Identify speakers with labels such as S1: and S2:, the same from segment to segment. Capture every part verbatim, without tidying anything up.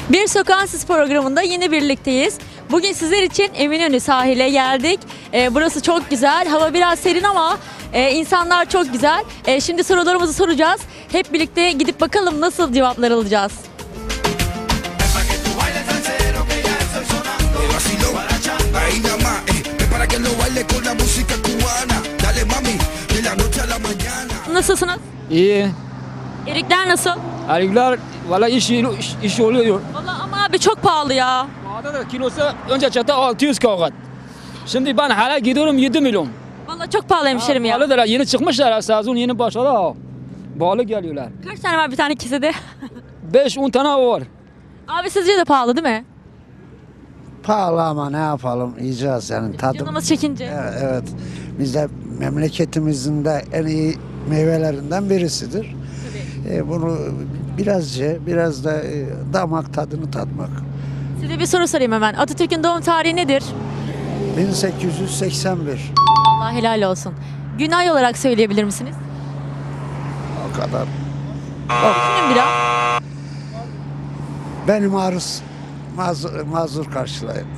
S1: Bir Sokağınsiz programında yine birlikteyiz. Bugün sizler için Eminönü sahile geldik. Ee, burası çok güzel. Hava biraz serin ama e, insanlar çok güzel. E, şimdi sorularımızı soracağız. Hep birlikte gidip bakalım nasıl cevaplar alacağız. Nasılsınız?
S2: İyi.
S1: Erikler nasıl?
S2: Erikler valla iş, iş, iş oluyor.
S1: Vallahi ama abi çok pahalı ya.
S2: Bağda da kilosu önce çatı altı yüz kavgat. Şimdi ben hala gidiyorum yedi milyon.
S1: Vallahi çok pahalı hemşerim ya.
S2: Pahalıdır, yeni çıkmışlar, sezon yeni başladı ha. Bağlı geliyorlar.
S1: Kaç tane var bir tane kesede?
S2: beş on tane var.
S1: Abi sizce de pahalı değil mi?
S3: Pahalı ama ne yapalım, yiyeceğiz yani tadım.
S1: Canımız çekince.
S3: Evet, evet. Biz de memleketimizin de en iyi meyvelerinden birisidir. E, bunu biraz ye, biraz da e, damak tadını tatmak.
S1: Size bir soru sorayım hemen. Atatürk'ün doğum tarihi nedir?
S3: bin sekiz yüz seksen bir.
S1: Allah helal olsun. Gün ay olarak söyleyebilir misiniz?
S3: O kadar.
S1: Düşünün biraz.
S3: Benim arız mazur, mazur karşılayın.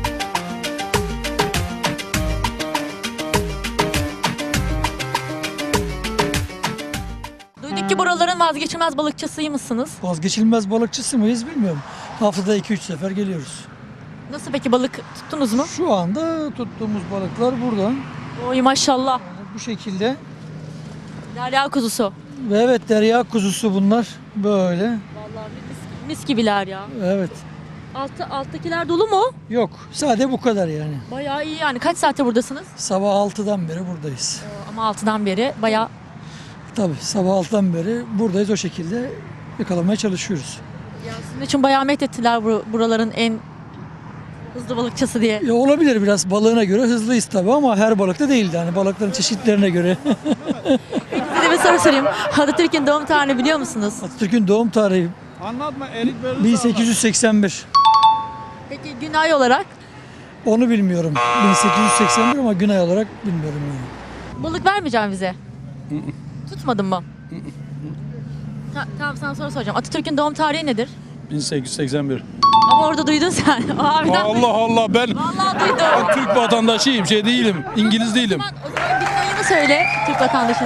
S1: Duyduk ki buraların vazgeçilmez balıkçısıymışsınız.
S4: Vazgeçilmez balıkçısı mıyız bilmiyorum. Haftada iki üç sefer geliyoruz.
S1: Nasıl peki, balık tuttunuz mu?
S4: Şu anda tuttuğumuz balıklar burada.
S1: Oy maşallah.
S4: Bu şekilde.
S1: Derya kuzusu.
S4: Ve evet, derya kuzusu bunlar. Böyle.
S1: Vallahi mis, mis gibiler ya.
S4: Evet.
S1: Altı, alttakiler dolu mu?
S4: Yok. Sade bu kadar yani.
S1: Bayağı iyi yani. Kaç saattir buradasınız?
S4: Sabah altıdan beri buradayız.
S1: Ama altıdan beri bayağı.
S4: Tabii sabah altıdan beri buradayız, o şekilde yakalamaya çalışıyoruz.
S1: Ya sizin için bayağı methettiler bu, buraların en hızlı balıkçısı diye.
S4: Ya olabilir, biraz balığına göre hızlıyız tabii ama her balıkta değildi. Yani balıkların çeşitlerine göre.
S1: Size bir soru sorayım. Atatürk'ün doğum tarihini biliyor musunuz?
S4: Atatürk'ün doğum tarihi
S5: Anlatma, erik verirse
S4: bin sekiz yüz seksen bir.
S1: Peki gün ay olarak?
S4: Onu bilmiyorum. bin sekiz yüz seksen bir ama gün ay olarak bilmiyorum yani.
S1: Balık vermeyeceğim bize. Tutmadın mı? Ta- tamam, sana soru soracağım. Atatürk'ün doğum tarihi nedir?
S5: bin sekiz yüz seksen bir.
S1: Ama orada duydun sen. O abiden
S5: Allah
S1: duydum.
S5: Allah, ben
S1: Vallahi duydum.
S5: ben Türk vatandaşıyım, şey değilim, İngiliz değilim.
S1: O zaman, o zaman günün ayını söyle Türk vatandaşısın.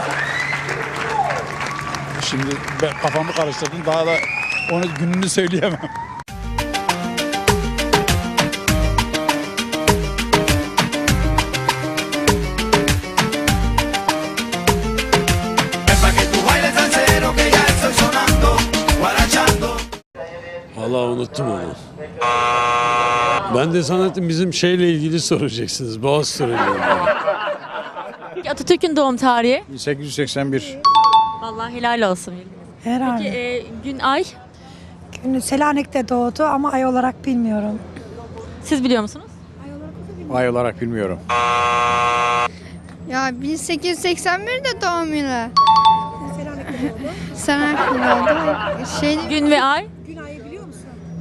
S5: Şimdi ben kafamı karıştırdım, daha da onu gününü söyleyemem.
S6: Vallahi unuttum onu. Ben de sanatım bizim şeyle ilgili soracaksınız. Boğaz soruyla ilgili.
S1: Peki Atatürk'ün doğum tarihi?
S5: bin sekiz yüz seksen bir.
S1: Vallahi helal olsun.
S7: Herhalde.
S1: Peki e, gün ay?
S7: Günü Selanik'te doğdu ama ay olarak bilmiyorum.
S1: Siz biliyor musunuz?
S5: Ay olarak bilmiyorum.
S8: Ya bin sekiz yüz seksen birde doğum yılı. Selanik'te doğdu. Şey,
S1: Gün ve ay?
S7: Gün ayı biliyor musun?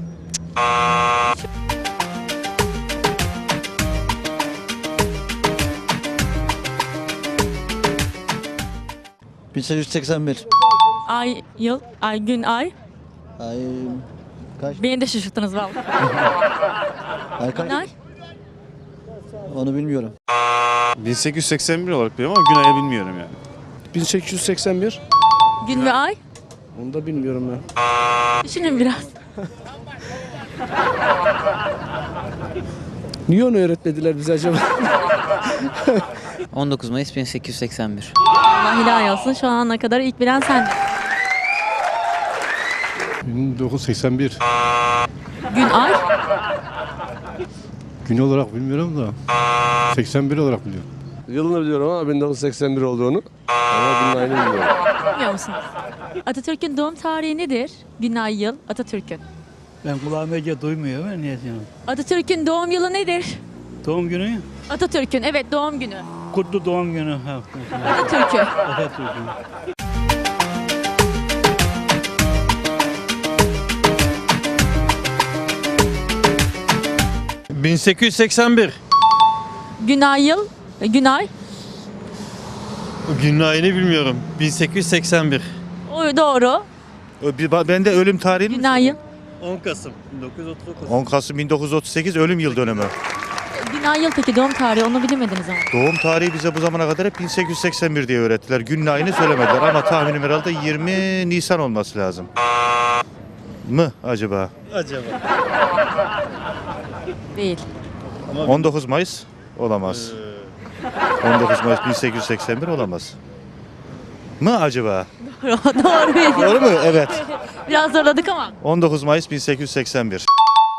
S9: bin sekiz yüz seksen bir.
S1: Ay, yıl, ay, gün, ay.
S9: Ay kaç?
S1: Beni de şaşırttınız vallahi.
S9: Ay kaç?
S1: Gün, ay.
S9: Onu bilmiyorum.
S10: bin sekiz yüz seksen bir olarak biliyorum ama gün ayı bilmiyorum yani.
S11: bin sekiz yüz seksen bir.
S1: Gün ve ay.
S11: Onu da bilmiyorum ben.
S1: Düşünün biraz.
S11: Niye onu öğretmediler bize acaba?
S12: on dokuz Mayıs bin sekiz yüz seksen bir.
S1: Allah helal olsun. Şu ana kadar ilk bilen sendin.
S11: bin dokuz yüz seksen bir.
S1: Gün, ay.
S11: Gün olarak bilmiyorum da. seksen bir olarak biliyorum. Yılını biliyorum ama bin dokuz yüz seksen bir olduğunu. Ama gün ayını bilmiyorum.
S1: Bilmiyor musunuz? Atatürk'ün doğum tarihi nedir? Gün, ay, yıl. Atatürk'ün.
S4: Ben kulağım iyice duymuyor. Ben niye diyorum?
S1: Atatürk'ün doğum yılı nedir?
S4: Doğum günü,
S1: Atatürk'ün, evet, doğum günü.
S4: kutlu doğum günü. Ha,
S1: Atatürk'ü.
S4: Atatürk'ün.
S10: bin sekiz yüz seksen bir.
S1: Gün, ay, yıl. Gün, ay.
S10: Gün ayını bilmiyorum. bin sekiz yüz seksen bir.
S1: O doğru.
S10: Ben de ölüm tarihini
S1: Gün, ay, yıl.
S9: on Kasım bin dokuz yüz otuz dokuz.
S10: on Kasım bin dokuz yüz otuz sekiz ölüm yıl dönümü.
S1: Gün ay yıl peki doğum tarihi onu bilemediniz ama.
S10: Doğum tarihi bize bu zamana kadar hep bin sekiz yüz seksen bir diye öğrettiler. Günün ayını söylemediler ama tahminim herhalde yirmi Nisan olması lazım. Mı acaba?
S9: Acaba.
S1: Değil.
S10: on dokuz Mayıs olamaz. on dokuz Mayıs bin sekiz yüz seksen bir olamaz. Mı acaba?
S1: Doğru bildin.
S10: Doğru mu? Evet.
S1: Biraz zorladık ama.
S10: on dokuz Mayıs bin sekiz yüz seksen bir.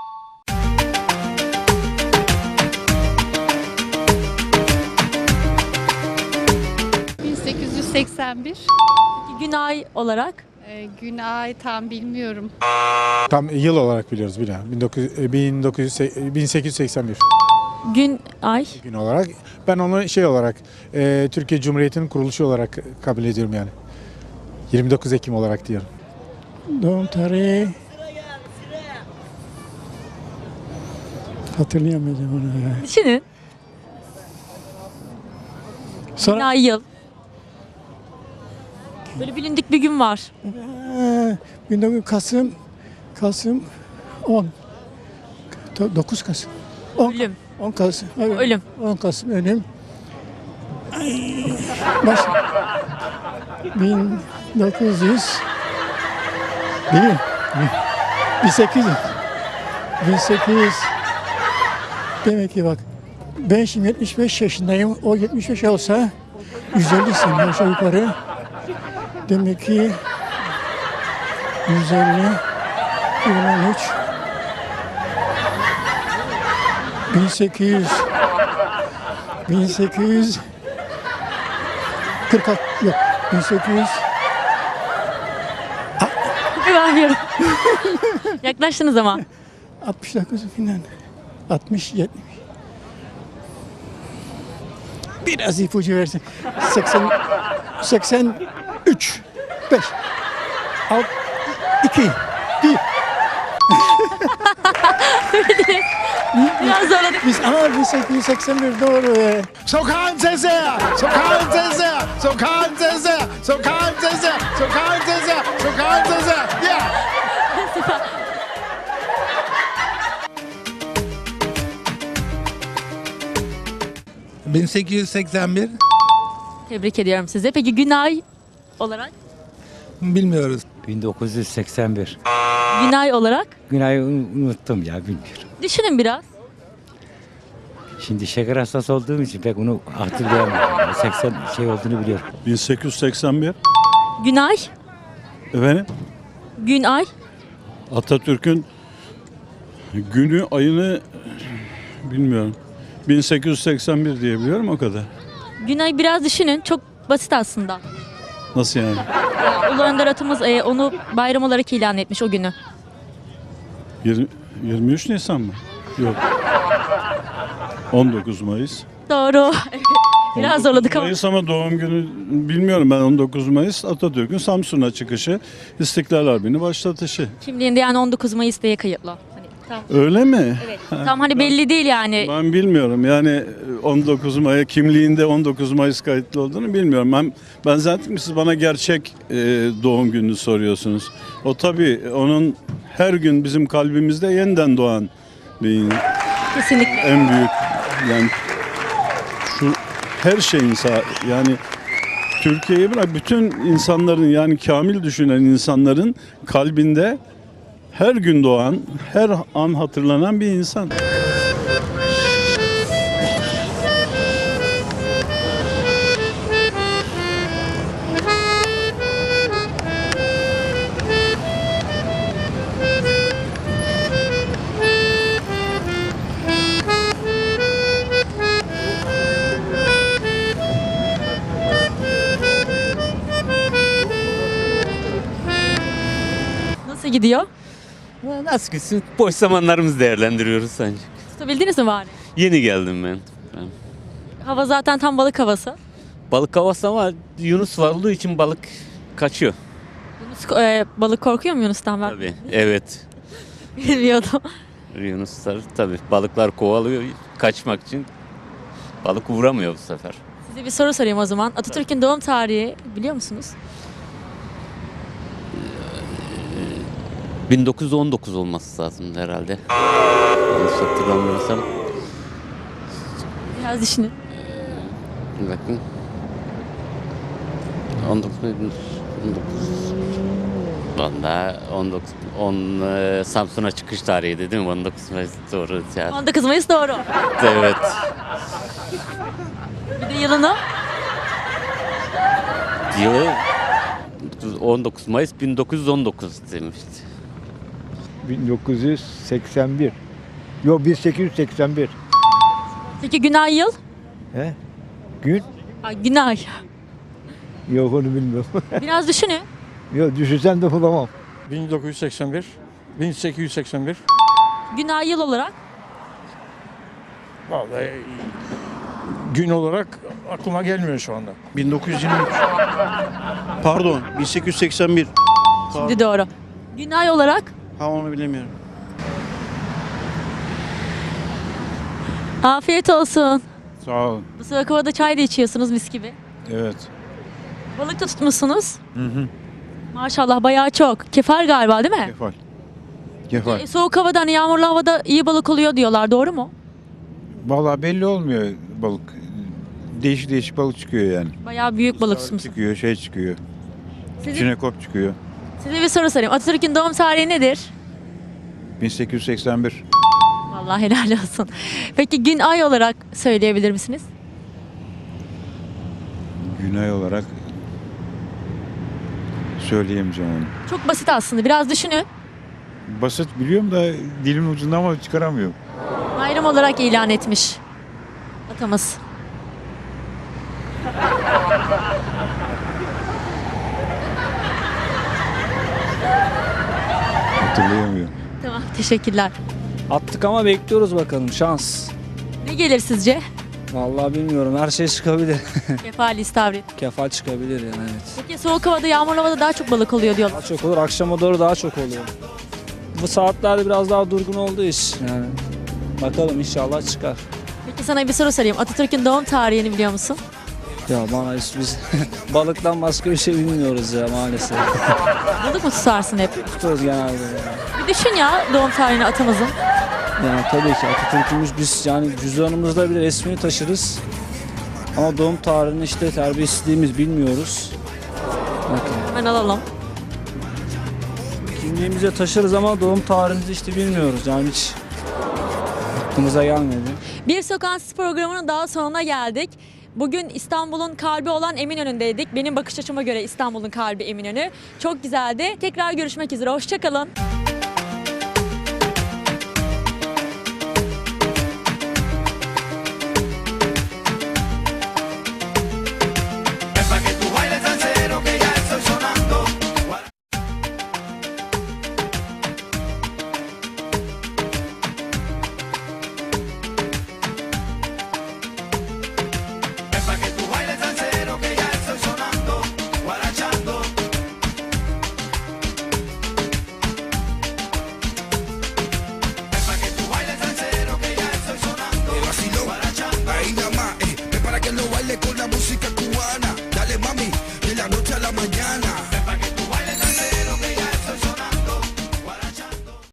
S8: bin sekiz yüz seksen bir.
S1: Peki gün ay olarak?
S8: Ee, gün ay tam bilmiyorum.
S5: Tam yıl olarak biliyoruz bir bin dokuz yüz, bin dokuz yüz, bin sekiz yüz seksen bir
S1: Gün ay.
S5: gün olarak. Ben onu şey olarak e, Türkiye Cumhuriyeti'nin kuruluşu olarak kabul ediyorum yani. yirmi dokuz Ekim olarak diyorum.
S4: Doğum tarihi hatırlayamayacağım onu ya.
S1: Düşünün. Gün
S4: Sonra
S1: ay yıl. Böyle bilindik bir gün var.
S4: Ee, bin dokuz yüz Kasım Kasım on dokuz Kasım on,
S1: Ölüm.
S4: on Kasım evet.
S1: Ölüm.
S4: on Kasım ölüm. Ay, baş bin dokuz yüz değil bin sekiz yüz bin sekiz yüz demek ki bak ben şimdi yetmiş beş yaşındayım, o yetmiş beş olsa yüz elli sene aşağı yukarı demek ki yüz elli iki bin on üç bin sekiz yüz bin sekiz yüz kırk altı yok bin sekiz yüz
S1: Vermiyorum. Yaklaştınız ama.
S4: altmış dokuz falan altmış yetmiş biraz ipucu versin seksen seksen üç beş altı iki bir
S1: Biraz zorladık.
S4: Biz ama bin sekiz yüz seksen bir doğru ya.
S5: Sokağın sesi! Sokağın sesi! Sokağın sesi! Sokağın sesi! Sokağın sesi! Sokağın sesi! Yeah!
S9: bin sekiz yüz seksen bir.
S1: Tebrik ediyorum sizi. Peki gün ay olarak?
S9: Bilmiyoruz.
S12: bin dokuz yüz seksen bir.
S1: Gün ay olarak?
S12: Günayı unuttum ya bilmiyorum.
S1: Düşünün biraz.
S12: Şimdi şeker hastası olduğum için pek onu hatırlayamıyorum. seksen şey olduğunu biliyorum.
S11: bin sekiz yüz seksen bir.
S1: Gün ay?
S11: Efendim?
S1: Gün ay?
S11: Atatürk'ün günü ayını bilmiyorum. bin sekiz yüz seksen bir diye biliyorum o kadar.
S1: Gün ay biraz düşünün. Çok basit aslında.
S11: Nasıl yani?
S1: Ya, Ulu Önder atımız e, onu bayram olarak ilan etmiş o günü.
S11: yirmi, yirmi üç Nisan mı? Yok. on dokuz Mayıs.
S1: Doğru. Biraz zorladık ama.
S11: Mayıs ama doğum günü bilmiyorum ben on dokuz Mayıs Atatürk'ün Samsun'a çıkışı, İstiklal Harbi'ni başlatışı.
S1: Kimliğinde yani on dokuz Mayıs diye kayıtlı. Hani, tam,
S11: Öyle mi?
S1: evet. Tam hani belli değil yani.
S11: Ben bilmiyorum yani on dokuz Mayıs kimliğinde on dokuz Mayıs kayıtlı olduğunu bilmiyorum. Ben ben zaten siz bana gerçek e, doğum gününü soruyorsunuz. O tabii onun her gün bizim kalbimizde yeniden doğan bir
S1: Kesinlikle.
S11: en büyük yani şu her şeyin sa- yani Türkiye'yi bırak bütün insanların yani kamil düşünen insanların kalbinde her gün doğan, her an hatırlanan bir insan.
S1: Nasıl gidiyor?
S12: Nasıl gitsin? Boş zamanlarımızı değerlendiriyoruz sence.
S1: Tutabildiniz mi bari?
S12: Yeni geldim ben. Ben-
S1: Hava zaten tam balık havası.
S12: Balık havası ama Yunus var olduğu için balık kaçıyor.
S1: Yunus, e, balık korkuyor mu Yunus'tan ben?
S12: Tabii. Evet.
S1: Bilmiyordum.
S12: Yunuslar tabii balıklar kovalıyor kaçmak için. Balık vuramıyor bu sefer.
S1: Size bir soru sorayım o zaman. Atatürk'ün doğum tarihi biliyor musunuz?
S12: bin dokuz yüz on dokuz olması lazım herhalde. Yanlış hatırlamıyorsam.
S1: Biraz düşünün.
S12: Bir bakın. on dokuz on dokuz. Valla on dokuz on e, Samsun'a çıkış tarihi değil mi? on dokuz Mayıs doğru. Ya.
S1: on dokuz Mayıs doğru.
S12: Evet.
S1: Bir de yılını.
S12: Yılı on dokuz Mayıs bin dokuz yüz on dokuz demişti.
S9: bin dokuz yüz seksen bir. Yok bin sekiz yüz seksen bir.
S1: Peki gün ay yıl?
S9: He? Gün?
S1: Ha, gün ay.
S9: Yok onu bilmiyorum.
S1: Biraz düşünün.
S9: Yok düşünsem de bulamam.
S4: bin dokuz yüz seksen bir, bin sekiz yüz seksen bir.
S1: Gün ay yıl olarak.
S4: Vallahi gün olarak aklıma gelmiyor şu anda.
S10: bin dokuz yüz yirmi üç. Pardon, bin sekiz yüz seksen bir.
S1: Şimdi doğru. Gün ay olarak.
S10: Ha onu bilemiyorum.
S1: Afiyet olsun.
S11: Sağ olun.
S1: Bu sıcak havada çay da içiyorsunuz mis gibi.
S11: Evet.
S1: Balık da tutmuşsunuz.
S11: Hı hı.
S1: Maşallah bayağı çok. Kefal galiba değil mi?
S11: Kefal. Kefal.
S1: E, soğuk havada hani yağmurlu havada iyi balık oluyor diyorlar. Doğru mu?
S11: Vallahi belli olmuyor balık. Değişik değişik balık çıkıyor yani.
S1: Bayağı büyük balık tutmuşsunuz.
S11: Çıkıyor, şey çıkıyor.
S1: Sizin,
S11: Çinekop çıkıyor.
S1: size bir soru sorayım. Atatürk'ün doğum tarihi nedir?
S11: bin sekiz yüz seksen bir.
S1: Vallahi helal olsun. Peki gün ay olarak söyleyebilir misiniz?
S11: Günay olarak söyleyemeyeceğim onu.
S1: Çok basit aslında. Biraz düşünün.
S11: Basit biliyorum da dilimin ucunda ama çıkaramıyorum.
S1: Bayram olarak ilan etmiş atamız.
S11: Hatırlayamıyorum.
S1: Tamam, teşekkürler.
S2: Attık ama bekliyoruz bakalım şans.
S1: Ne gelir sizce?
S2: Vallahi bilmiyorum her şey çıkabilir.
S1: Kefal, istavrit.
S2: Kefal çıkabilir yani evet.
S1: Peki soğuk havada, yağmurlu havada daha çok balık oluyor diyorlar.
S2: Daha çok olur akşama doğru daha çok oluyor. Bu saatlerde biraz daha durgun olduğu iş yani. Bakalım inşallah çıkar.
S1: Peki sana bir soru sorayım. Atatürk'ün doğum tarihini biliyor musun?
S2: Ya bana hiç biz balıktan başka bir şey bilmiyoruz ya maalesef.
S1: Balık mı tutarsın hep?
S2: Tutuyoruz genelde. Yani.
S1: Bir düşün ya doğum tarihini atamızın.
S2: Yani tabii ki Atatürk'ümüz biz yani cüzdanımızda bile resmini taşırız. Ama doğum tarihini işte terbiyesizliğimiz bilmiyoruz. Bakın.
S1: Hemen alalım.
S2: Kimliğimize taşırız ama doğum tarihimizi işte bilmiyoruz. Yani hiç aklımıza gelmedi.
S1: Bir Sokak programının daha sonuna geldik. Bugün İstanbul'un kalbi olan Eminönü'ndeydik. Benim bakış açıma göre İstanbul'un kalbi Eminönü. Çok güzeldi. Tekrar görüşmek üzere. Hoşça kalın.